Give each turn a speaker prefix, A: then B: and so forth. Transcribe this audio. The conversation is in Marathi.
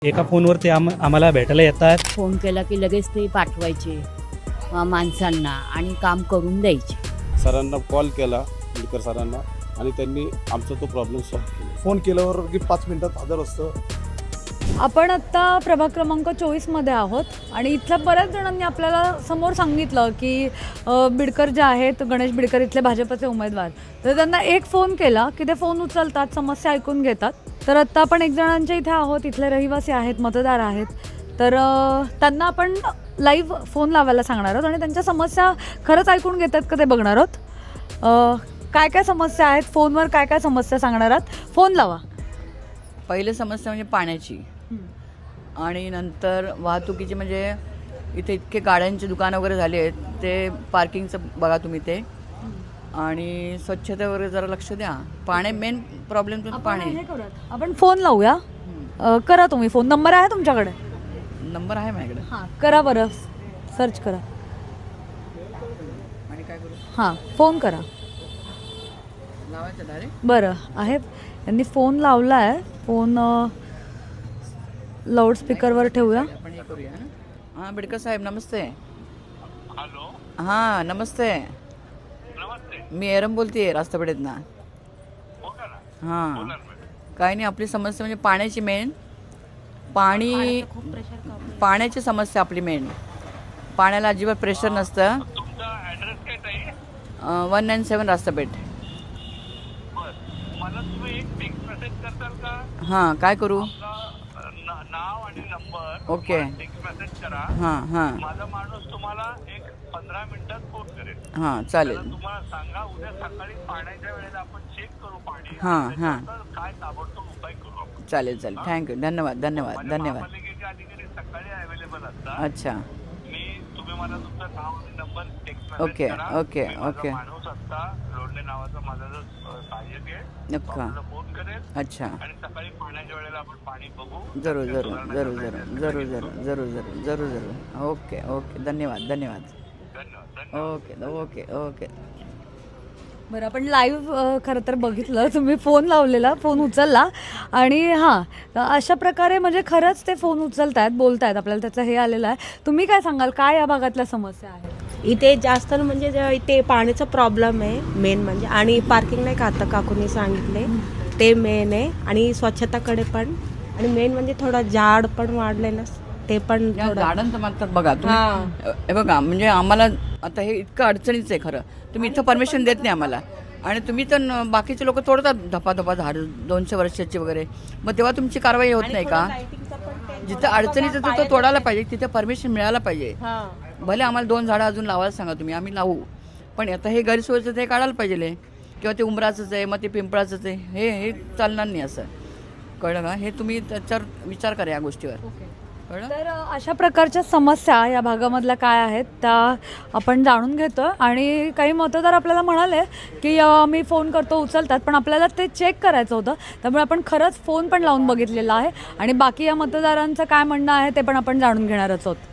A: एका फोनवर ते आम्हाला भेटायला येतात.
B: फोन केला की लगेच ते पाठवायचे माणसांना आणि काम करून द्यायचे.
C: सरांना कॉल केला बिडकर सरांना आणि त्यांनी आमचा तो प्रॉब्लेम सॉल्व्ह केला.
D: फोन केल्यावर की 5 मिनिटात हजर असतं.
E: आपण आत्ता प्रभाग क्रमांक 24मध्ये आहोत आणि इथल्या बऱ्याच जणांनी आपल्याला समोर सांगितलं की बिडकर जे आहेत, गणेश बिडकर इथले भाजपचे उमेदवार, तर त्यांना एक फोन केला की ते फोन उचलतात, समस्या ऐकून घेतात. तर आत्ता आपण एक जणांच्या इथे आहोत, इथले रहिवासी आहेत, मतदार आहेत. तर त्यांना आपण लाईव्ह फोन लावायला सांगणार आहोत आणि त्यांच्या समस्या खरंच ऐकून घेतात का ते बघणार आहोत. काय काय समस्या आहेत, फोनवर काय काय समस्या सांगणार आहात, फोन लावा.
F: पहिली समस्या म्हणजे पाण्याची आणि नंतर वाहतुकीची, म्हणजे इथे इतके गाड्यांची दुकानं वगैरे झाली आहेत, ते पार्किंगचं बघा तुम्ही ते, आणि स्वच्छता वगैरे जरा लक्ष द्या. पाणी मेन प्रॉब्लेम तर पाणी.
E: आपण फोन लावूया. करा तुम्ही फोन. नंबर आहे तुमच्याकडे?
F: नंबर आहे माझ्याकडे.
E: हां, करा बरं, सर्च करा
F: आणि काय करू,
E: हां फोन करा.
F: लावायचं डायरेक्ट.
E: बरं आहे, यांनी फोन लावला आहे. फोन लाऊडस्पीकरवर ठेवूया.
F: आपण हे करूया ना. हां बिडकर साहेब नमस्ते. हॅलो. हां नमस्ते. मी एरम बोलते रास्तापेठेत ना. हां काही नाही, आपली समस्या म्हणजे पाण्याची मेन. पाण्याची समस्या आपली मेन. पाण्याला अजिबात प्रेशर नसतं. 197 रास्तापेठ. हां काय करू.
G: नाव आणि नंबर
F: ओके.
G: टेक्स्ट मेसेज करा.
F: हां हां
G: माझा माणूस तुम्हाला एक 15 मिनिटात फोन करेल.
F: हां चालेल.
G: तुम्हाला सांगा उद्या सकाळी पाण्याच्या वेळेला आपण चेक करू पाणी.
F: हां हां
G: काय ताबडतोब उपाय करू आपण.
F: चालेल चालेल. थँक्यू. धन्यवाद धन्यवाद धन्यवाद.
G: महापालिकेचे अधिकारी सकाळी अवेलेबल असतात.
F: अच्छा.
G: तुम्ही मला तुमचं नाव आणि नंबर टेक्स्ट मेसेज
F: ओके
G: करा.
F: ओके
G: मी माझा
F: ओके.
G: माणूस असता लोडणे नावाचा माझा जो सहाय्यक आहे,
F: नक्का.
G: तो फोन करेल
F: अच्छा.
G: आणि सकाळी पाण्याच्या वेळेला आपण पाणी बघू.
F: जरूर जरूर जरूर जरूर जरूर जरूर जरूर जरूर जरूर जरूर. Okay okay. धन्यवाद धन्यवाद. Okay okay okay.
E: बरं, आपण लाईव्ह खरं तर बघितलं, तुम्ही फोन लावलेला, फोन उचलला आणि हां अशा प्रकारे म्हणजे खरंच ते फोन उचलत आहेत, बोलत आहेत, आपल्याला त्याचं हे आलेलं आहे. तुम्ही काय सांगाल, काय या भागातल्या समस्या आहेत?
H: इथे जास्त म्हणजे इथे पाण्याचा प्रॉब्लेम आहे मेन म्हणजे, आणि पार्किंग नाही का आता काकूंनी सांगितले ते मेन आहे, आणि स्वच्छताकडे पण, आणि मेन म्हणजे थोडं झाड पण वाढले ना, ते पण
F: गार्डनचं म्हणतात बघा तुम्ही. हे बघा म्हणजे आम्हाला आता हे इतकं अडचणीचं आहे खरं. तुम्ही इथं परमिशन देत नाही आम्हाला, आणि तुम्ही तर बाकीचे लोक तोडतात धपाधपा झाड 200 वर्षाची वगैरे, मग तेव्हा तुमची कारवाई होत नाही का? जिथं अडचणीचं तिथं तोडायला पाहिजे, तिथे परमिशन मिळायला पाहिजे. भले आम्हाला 2 झाडं अजून लावायला सांगा तुम्ही, आम्ही लावू, पण आता हे गैरसोयीचं ते काढायला पाहिजे, किंवा ते उंबराचंच आहे, मग ते पिंपळाचंच आहे, हे चालणार नाही. असं कळलं का? हे तुम्ही त्याच्यावर विचार करा या गोष्टीवर.
E: तर अशा प्रकारच्या समस्या या भागामधल्या काय आहेत त्या आपण जाणून घेतो. आणि काही मतदार आपल्याला म्हणाले की मी फोन करतो, उचलतात, पण आपल्याला ते चेक करायचं होतं, त्यामुळे आपण खरंच फोन पण लावून बघितलेला आहे आणि बाकी या मतदारांचं काय म्हणणं आहे ते पण आपण जाणून घेणारच आहोत.